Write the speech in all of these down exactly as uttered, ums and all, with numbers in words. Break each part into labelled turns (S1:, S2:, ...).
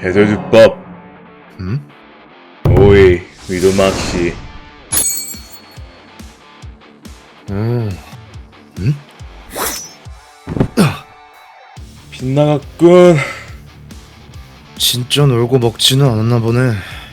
S1: 해설주법.
S2: 음?
S1: 오이 위도막시.
S2: 음. 음?
S1: 빗나갔군.
S2: 진짜 놀고 먹지는 않았나 보네.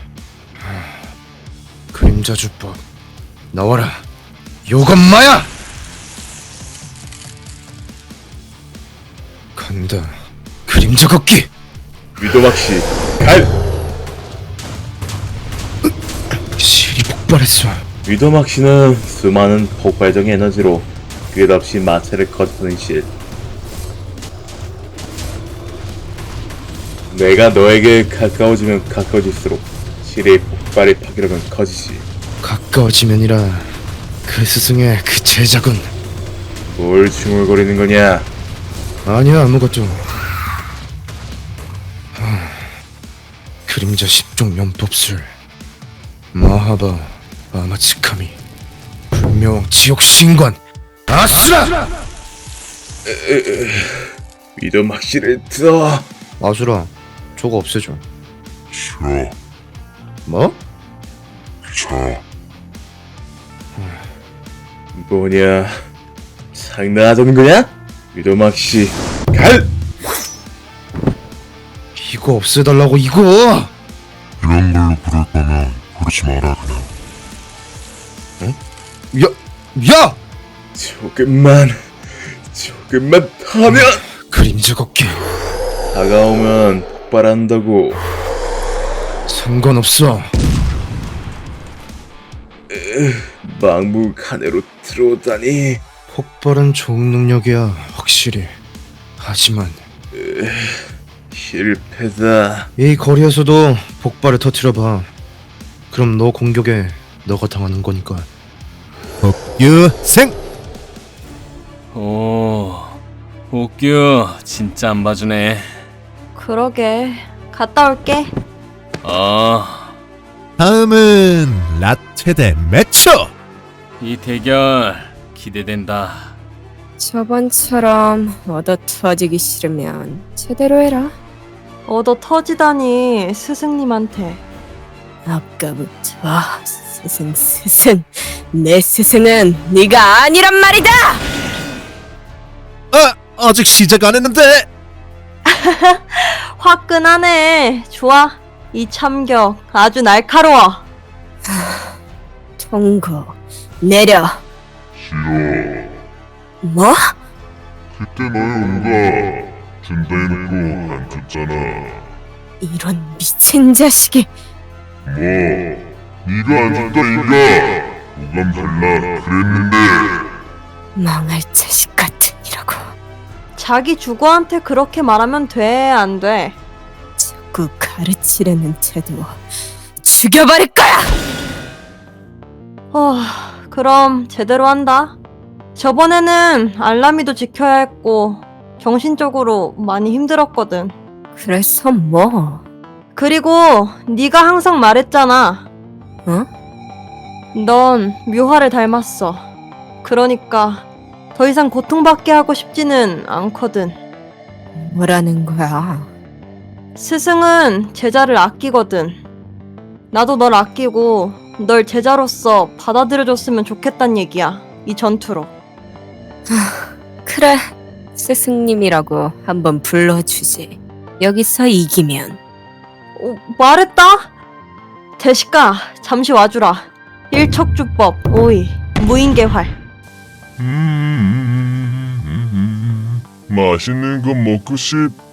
S2: 그림자 주법 나와라. 요건마야! 간다. 그림자 걷기.
S1: 위도막시 갈.
S2: 실이 폭발했어.
S1: 위도막시는 수많은 폭발적인 에너지로 끝없이 마차를 거스르는 실. 내가 너에게 가까워지면 가까워질수록 실의 폭발의 파괴력은 커지지.
S2: 가까워지면이라 그 스승의 그 제작은
S1: 뭘 중얼거리는 거냐?
S2: 아니야 아무것도. 하, 그림자 십종 연법술 마하바 아마츠카미 불명 지옥 신관 아수라.
S1: 위도막시를 들어.
S2: 아수라 저거 없애줘.
S3: 싫어.
S2: 뭐?
S3: 자,
S1: 뭐냐? 장난하자는 거냐? 위도막시 갈.
S2: 이거 없애달라고 이거.
S3: 이런 걸로 부를 거면 부르지 마라 그냥.
S2: 야! 야!
S1: 조금만, 조금만 더 하면
S2: 그림자 걷기
S1: 다가오면 폭발한다고.
S2: 상관없어.
S1: 막무가내로 들어오다니.
S2: 폭발은 좋은 능력이야 확실히. 하지만
S1: 실패다.
S2: 이 거리에서도 폭발을 터뜨려봐. 그럼 너 공격에 너가 당하는 거니까. 복유생.
S4: 오, 옥규 진짜 안 봐주네.
S5: 그러게. 갔다 올게.
S4: 어,
S6: 다음은 라테 대 매초.
S4: 이 대결 기대된다.
S7: 저번처럼 얻어 터지기 싫으면 제대로 해라.
S5: 얻어 터지다니 스승님한테.
S7: 아까부터 스승 스승 내 스승은 네가 아니란 말이다.
S6: 아, 아직 시작 안 했는데.
S5: 화끈하네. 좋아. 이 참격 아주 날카로워.
S7: 통고 내려.
S3: 싫어.
S7: 뭐?
S3: 그때 너의 온가 준다 해놓고 안 줬잖아.
S7: 이런 미친 자식이.
S3: 뭐 네가 안 준다 이가 오감 달라 그랬는데.
S7: 망할 자식 같으니라고.
S5: 자기 주거한테 그렇게 말하면 돼, 안 돼?
S7: 자꾸 가르치려는 태도 죽여버릴 거야.
S5: 어, 그럼 제대로 한다. 저번에는 알라미도 지켜야 했고 정신적으로 많이 힘들었거든.
S7: 그래서 뭐?
S5: 그리고 네가 항상 말했잖아.
S7: 어?
S5: 넌 묘화를 닮았어. 그러니까 더 이상 고통받게 하고 싶지는 않거든.
S7: 뭐라는 거야?
S5: 스승은 제자를 아끼거든. 나도 널 아끼고 널 제자로서 받아들여줬으면 좋겠단 얘기야. 이 전투로.
S7: 그래, 스승님이라고 한번 불러주지. 여기서 이기면.
S5: 어, 말했다? 대식가 잠시 와주라. 일척주법 오이 무인개활.
S3: 음, 맛있는 거 먹고 싶.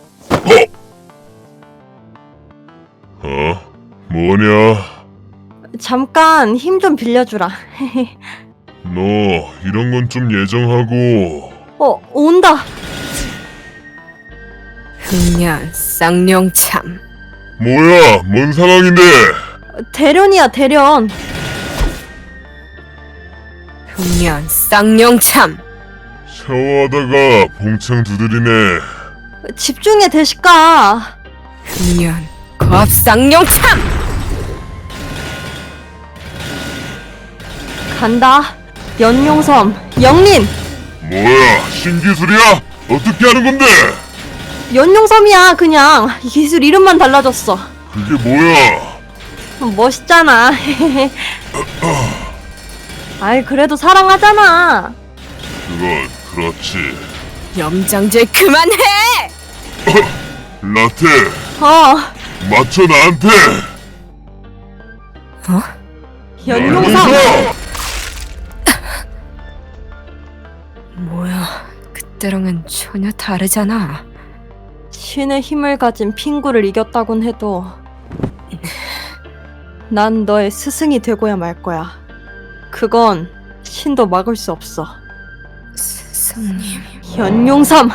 S3: 어? 어? 뭐냐?
S5: 잠깐 힘 좀 빌려주라.
S3: 너 이런 건 좀 예정하고.
S5: 어, 온다.
S7: 흑년 쌍용참.
S3: 뭐야? 뭔 상황인데?
S5: 대련이야, 대련.
S7: 흑년 쌍용참.
S3: 샤워하다가 봉창 두드리네.
S5: 집중해, 대식가.
S7: 흑년 겁쌍용참.
S5: 간다. 연용섬 영린.
S3: 뭐야? 신기술이야? 어떻게 하는 건데?
S5: 연용섬이야 그냥. 기술 이름만 달라졌어.
S3: 그게 뭐야?
S5: 멋있잖아. 아이 그래도 사랑하잖아.
S3: 그건 그렇지.
S7: 염장질 그만해!
S3: 라테,
S5: 어
S3: 맞춰 나한테!
S7: 어?
S5: 연용섬.
S7: 뭐야, 그때랑은 전혀 다르잖아.
S5: 신의 힘을 가진 핑구를 이겼다곤 해도 난 너의 스승이 되고야 말 거야. 그건 신도 막을 수 없어.
S7: 스승님.
S5: 연용섬.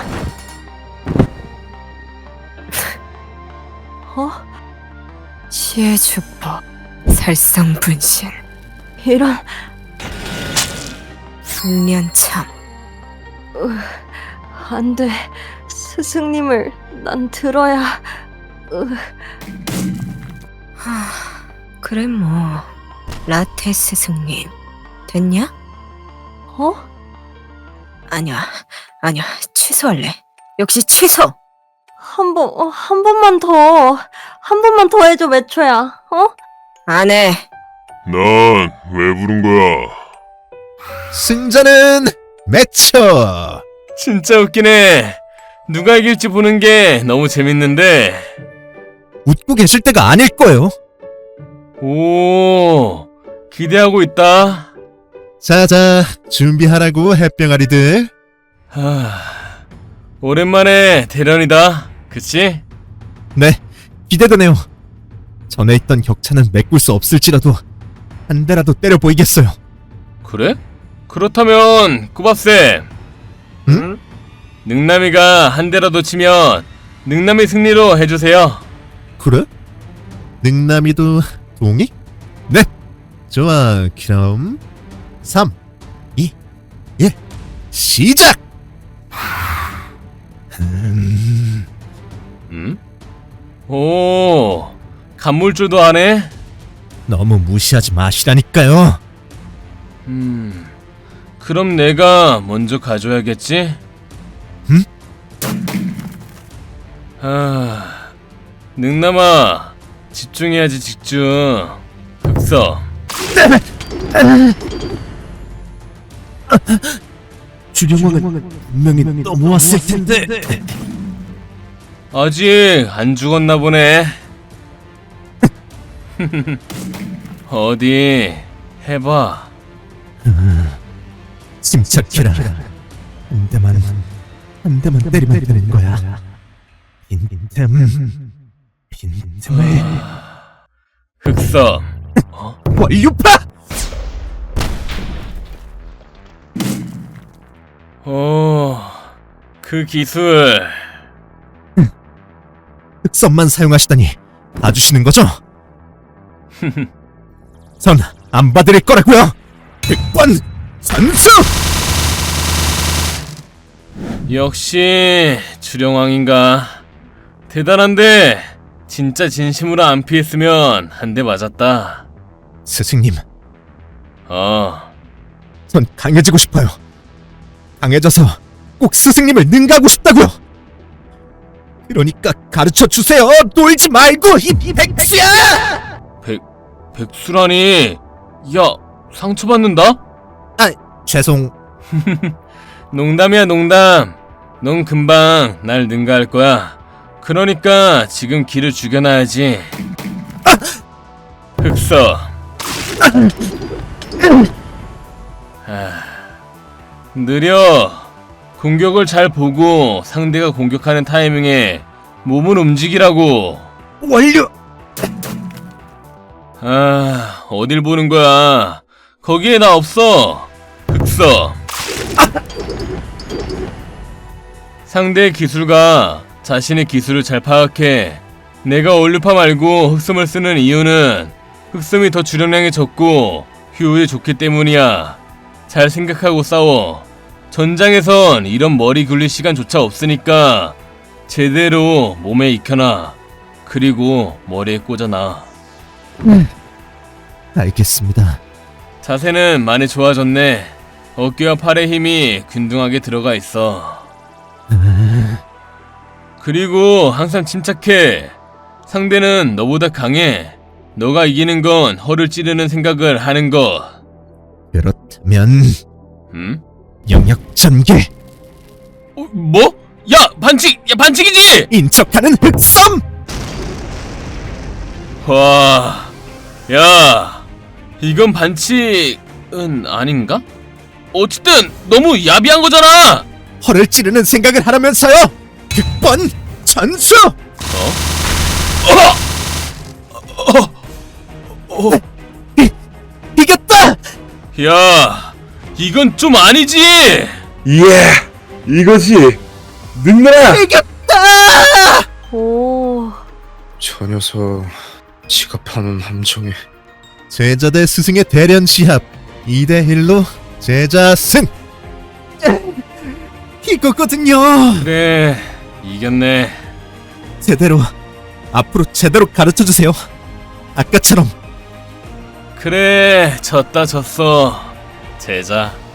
S5: 어?
S7: 지혜 주법, 살성 분신,
S5: 이런.
S7: 숙련참.
S5: 안 돼. 스승님을 난 들어야. 으,
S7: 하, 그래 뭐. 라테 스승님, 됐냐?
S5: 어?
S7: 아니야, 아니야, 취소할래. 역시 취소!
S5: 한 번, 어, 한 번만 더. 한 번만 더 해줘, 매초야. 어?
S7: 안 해.
S3: 난 왜 부른 거야?
S6: 승자는 매처.
S4: 진짜 웃기네. 누가 이길지 보는 게 너무 재밌는데.
S6: 웃고 계실 때가 아닐 거예요.
S4: 오, 기대하고 있다.
S6: 자자, 준비하라고 햇병아리들.
S4: 하, 오랜만에 대련이다. 그치?
S6: 네, 기대되네요. 전에 있던 격차는 메꿀 수 없을지라도 한 대라도 때려 보이겠어요.
S4: 그래? 그렇다면 꾸밥쌤,
S6: 응?
S4: 능남이가 한 대라도 치면 능남이 승리로 해주세요.
S6: 그래? 능남이도 동의? 네! 좋아, 그럼 삼, 이, 일, 시작! 음...
S4: 음? 오, 간물줄도 안 해?
S6: 너무 무시하지 마시라니까요.
S4: 음, 그럼 내가 먼저 가져야겠지?
S6: 응?
S4: 아, 능남아, 집중해야지 집중. 흑서,
S6: 주령왕은 분명히 넘어왔을 텐데.
S4: 아직 안 죽었나 보네. 어디 해봐.
S6: 침착해라. 한 대만, 한 대만 때리면 되는 거야. 빈틈, 빈틈을.
S4: 흑서,
S6: 완유파!
S4: 오, 그 기술.
S6: 흑선만 사용하시다니 봐주시는 거죠? 전 안 봐드릴 거라고요. 백번 선수!
S4: 역시 주령왕인가. 대단한데 진짜 진심으로 안 피했으면 한 대 맞았다.
S6: 스승님,
S4: 어,
S6: 전 강해지고 싶어요. 강해져서 꼭 스승님을 능가하고 싶다고요. 그러니까 가르쳐 주세요. 놀지 말고 이 백수야!
S4: 백 백수라니. 야, 상처받는다?
S6: 죄송.
S4: 농담이야 농담. 넌 금방 날 능가할 거야. 그러니까 지금 기를 죽여놔야지. 흑서. 아, 느려. 공격을 잘 보고 상대가 공격하는 타이밍에 몸을 움직이라고.
S6: 완료.
S4: 아, 어딜 보는 거야. 거기에 나 없어. 흑서. 상대의 기술가 자신의 기술을 잘 파악해. 내가 얼류파 말고 흑섬을 쓰는 이유는 흑섬이 더 주력량이 적고 효율이 좋기 때문이야. 잘 생각하고 싸워. 전장에선 이런 머리 굴릴 시간조차 없으니까 제대로 몸에 익혀놔. 그리고 머리에 꽂아놔.
S6: 알겠습니다.
S4: 자세는 많이 좋아졌네. 어깨와 팔의 힘이 균등하게 들어가 있어. 그리고 항상 침착해. 상대는 너보다 강해. 너가 이기는 건 허를 찌르는 생각을 하는 거.
S6: 그렇다면
S4: 음?
S6: 영역 전개,
S4: 어, 뭐? 야, 반칙! 야, 반칙이지!
S6: 인척하는 흑섬!
S4: 와, 야, 이건 반칙은 아닌가? 어쨌든 너무 야비한 거잖아.
S6: 허를 찌르는 생각을 하라면서요! 득번 전수! 이, 이겼다!
S4: 야, 이건 좀 아니지.
S1: 예, 이것이 능나라.
S5: 오,
S2: 저 녀석 지갑하는 함정에
S6: 제자 대 스승의 대련 시합 이 대 일로 제자 승! 이거거든요!
S4: 그래, 이겼네.
S6: 제대로 앞으로 제대로 가르쳐주세요. 아까처럼.
S4: 그래, 졌다 졌어. 제자.